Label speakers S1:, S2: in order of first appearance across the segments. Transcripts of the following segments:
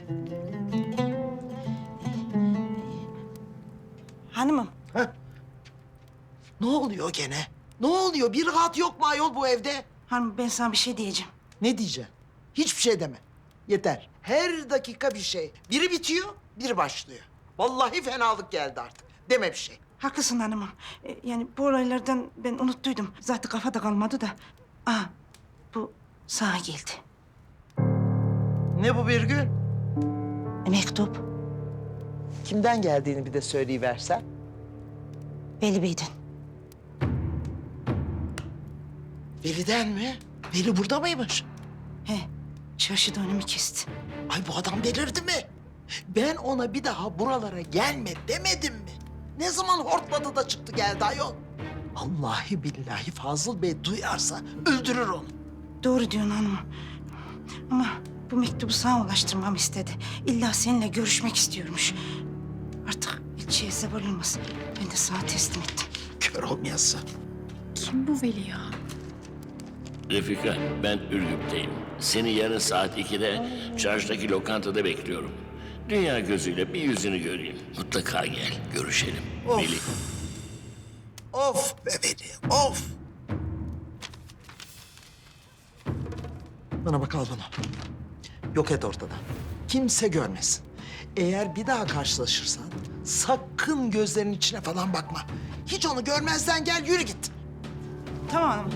S1: Hanımım.
S2: Heh. Ne oluyor gene? Ne oluyor? Bir rahat yok mu ayol bu evde?
S1: Hanım ben sana bir şey diyeceğim.
S2: Ne diyeceksin? Hiçbir şey deme. Yeter. Her dakika bir şey. Biri bitiyor, biri başlıyor. Vallahi fenalık geldi artık. Deme bir şey.
S1: Haklısın hanımım. Yani bu olaylardan ben unuttuydum. Zaten kafada kalmadı da. Aa, bu sağa geldi.
S2: Ne bu Birgül?
S1: Mektup.
S2: Kimden geldiğini bir de söyleyiversen.
S1: Veli Bey'den.
S2: Veli'den mi? Veli burada mıymış?
S1: He, şaşırdı önümü kesti.
S2: Ay bu adam delirdi mi? Ben ona bir daha buralara gelme demedim mi? Ne zaman hortladı da çıktı geldi ayol? Vallahi billahi Fazıl Bey duyarsa öldürür onu.
S1: Doğru diyorsun hanımım. Ama bu mektubu sana ulaştırmamı istedi. İlla seninle görüşmek istiyormuş. Artık ilçeye zeval olmaz. Ben de sana teslim ettim.
S2: Kör olmayası.
S3: Kim bu Veli ya?
S4: Refika, ben Ürgüp'teyim. Seni yarın saat 2'de çarşıdaki lokantada bekliyorum. Dünya gözüyle bir yüzünü göreyim. Mutlaka gel, görüşelim.
S2: Of.
S4: Veli.
S2: Of be Veli, of! Bana bak al bunu. Yok et ortadan. Kimse görmesin. Eğer bir daha karşılaşırsan sakın gözlerinin içine falan bakma. Hiç onu görmezden gel, yürü git.
S1: Tamam hanımım.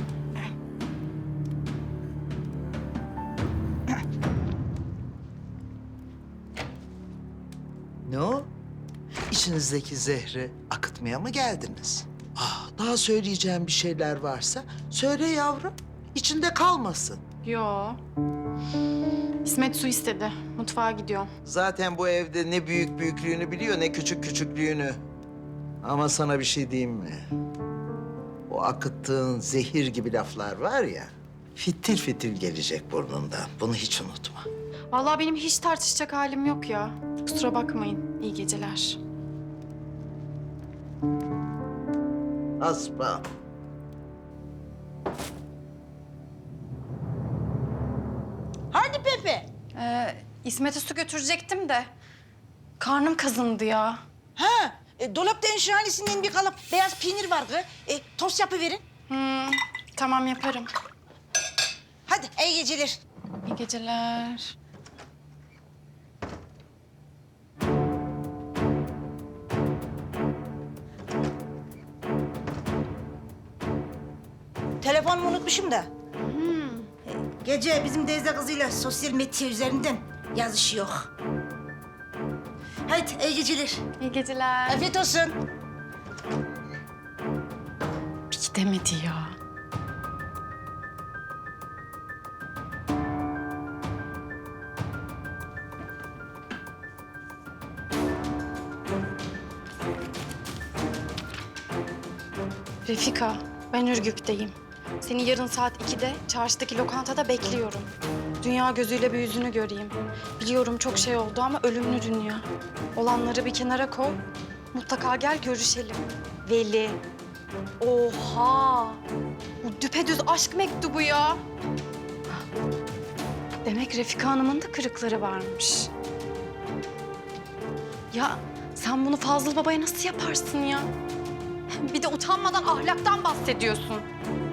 S2: Ne o? İçinizdeki zehri akıtmaya mı geldiniz? Daha söyleyeceğim bir şeyler varsa söyle yavrum. İçinde kalmasın.
S3: Yo. İsmet su istedi. Mutfağa gidiyor.
S2: Zaten bu evde ne büyük büyüklüğünü biliyor ne küçük küçüklüğünü. Ama sana bir şey diyeyim mi? O akıttığın zehir gibi laflar var ya... fitil fitil gelecek burnundan. Bunu hiç unutma.
S3: Vallahi benim hiç tartışacak halim yok ya. Kusura bakmayın. İyi geceler.
S2: Aspa.
S1: Hadi Pepe.
S3: İsmet'e su götürecektim de karnım kazındı ya.
S1: Ha, dolapta enşanesinden bir kalıp beyaz peynir var kız. Tost yapıverin.
S3: Tamam yaparım.
S1: Hadi iyi geceler.
S3: İyi geceler.
S1: Telefonumu unutmuşum da. Gece bizim teyze kızıyla sosyal medya üzerinden yazışıyor. Hadi iyi geceler.
S3: İyi geceler.
S1: Afiyet olsun.
S3: Bir gidemedi ya. Refika, ben Ürgüp'teyim. Seni yarın saat 2'de çarşıdaki lokantada bekliyorum. Dünya gözüyle bir yüzünü göreyim. Biliyorum çok şey oldu ama ölümlü dünya. Olanları bir kenara koy. Mutlaka gel görüşelim. Veli. Oha! Bu düpedüz aşk mektubu ya. Demek Refika Hanım'ın da kırıkları varmış. Ya sen bunu Fazıl Baba'ya nasıl yaparsın ya? Bir de utanmadan ahlaktan bahsediyorsun.